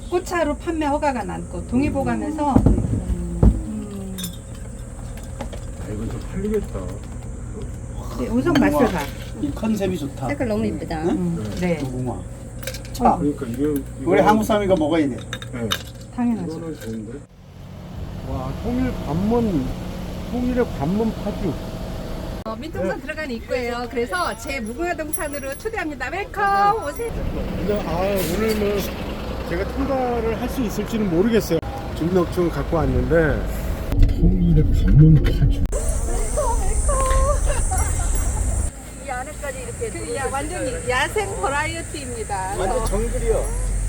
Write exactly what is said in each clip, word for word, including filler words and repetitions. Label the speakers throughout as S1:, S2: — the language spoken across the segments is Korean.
S1: 꽃차로 판매 허가가 났고 동의보감에서 음,
S2: 아, 이건 좀 팔리겠다.
S1: 네, 우선 맛을 봐.
S3: 이 컨셉이 좋다.
S4: 색깔 너무 이쁘다.
S1: 음, 네,
S3: 무궁화. 차.
S2: 그러니까 이게
S3: 우리 한국 사람이가 먹어야 돼.
S2: 네.
S1: 당연하죠.
S2: 이거는 좋은데. 와, 통일 관문, 통일의 관문 파주.
S1: 어, 민통선 들어가는 입구예요. 그래서 제 무궁화 동산으로 초대합니다. 웰컴 오세요.
S2: 근데 아 오늘 뭐 제가 통과를 할 수 있을지는 모르겠어요. 주민등록증을 갖고 왔는데 통일의 관문 파주.
S1: 이 안에까지 이렇게 그, 야, 완전히 야생 버라이어티입니다.
S3: 완전 정글이요.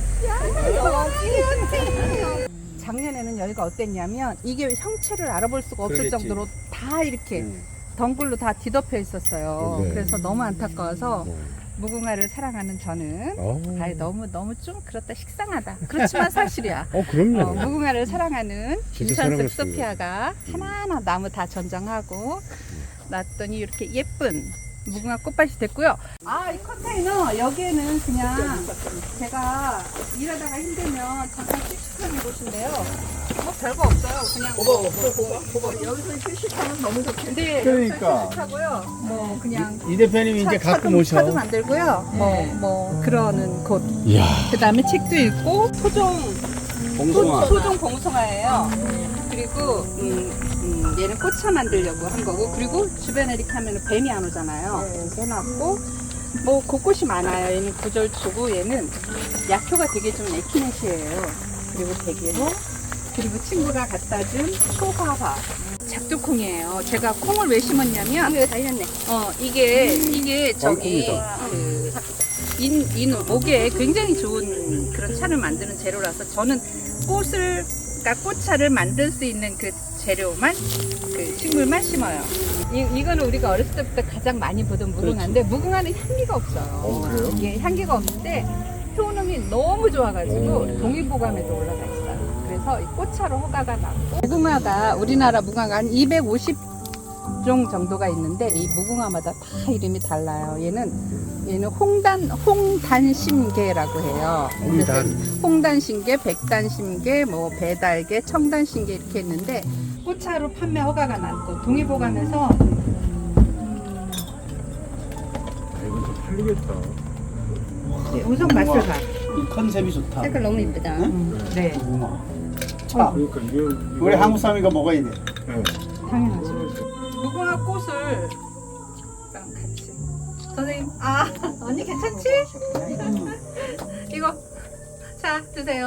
S1: 작년에는 여기가 어땠냐면 이게 형체를 알아볼 수가 없을
S3: 그러겠지.
S1: 정도로 다 이렇게
S3: 음.
S1: 덩굴로 다 뒤덮여 있었어요.
S2: 네.
S1: 그래서 너무 안타까워서 무궁화를 사랑하는 저는
S2: 어.
S1: 아이, 너무 너무 좀 그렇다 식상하다. 그렇지만 사실이야.
S2: 어 그럼요.
S1: 어, 무궁화를 사랑하는
S2: 진짜
S1: 인천습
S2: 사랑했어요.
S1: 소피아가 하나하나 나무 다 전정하고 놨더니 이렇게 예쁜 무궁화 꽃밭이 됐고요. 아, 이 컨테이너 여기에는 그냥 제가 일하다가 힘들면 잠깐 휴식하는 곳인데요. 뭐 별거 없어요. 그냥 뭐, 뭐 여기서 휴식하면 너무 좋겠는데
S3: 그러니까.
S1: 휴식하고요. 뭐 그냥
S3: 이 대표님이 이제
S1: 차-
S3: 갖고
S1: 차도-
S3: 오셔.
S1: 차도 만들고요. 뭐 뭐 그러는 곳.
S2: 이야.
S1: 그다음에 책도 읽고 토종
S3: 봉숭아.
S1: 소, 종 봉숭아예요. 그리고 음, 음, 얘는 꽃차 만들려고 한 거고, 그리고 주변에 이렇게 하면 뱀이 안 오잖아요. 이렇게 해놨고 뭐 곳곳이 많아요. 얘는 구절초고 얘는 약효가 되게 좀 에키넷이에요. 그리고 대게로, 그리고 친구가 갖다 준 초화화 작두콩이에요. 제가 콩을 왜 심었냐면
S4: 이거 달렸네.
S1: 어 이게 이게 저기
S2: 왕콩이다.
S1: 그 인, 인 목에 굉장히 좋은 그런 차를 만드는 재료라서 저는 꽃을 그러니까 꽃차를 만들 수 있는 그 재료만 그 식물만 심어요. 이, 이거는 우리가 어렸을 때부터 가장 많이 보던 무궁화인데 무궁화는 향기가 없어요.
S2: 어, 그래요?
S1: 이게 향기가 없는데 효능이 너무 좋아가지고 동의보감에도 올라가 있어요. 그래서 이 꽃차로 허가가 났고, 무궁화가 우리나라 무궁화가 한 이백오십 종 정도가 있는데 이 무궁화마다 다 이름이 달라요. 얘는 얘는 홍단 홍단심계라고 해요. 그래서
S2: 홍단.
S1: 홍단심계, 백단심계, 뭐 배달계, 청단심계 이렇게 있는데 꽃차로 판매 허가가 났고 동의보감에서 음,
S2: 아, 이건 좀 팔리겠다.
S1: 네, 우선 맛을 봐.
S3: 이 컨셉이 좋다.
S4: 색깔 너무 이쁘다.
S1: 음, 네,
S3: 무궁화. 차.
S2: 그러니까 이게
S3: 우리 한국 사람이가 먹어야 돼.
S2: 네.
S1: 당연하죠. 무궁화 꽃을 랑 같이. 선생님, 아 언니 괜찮지? 이거 자 드세요.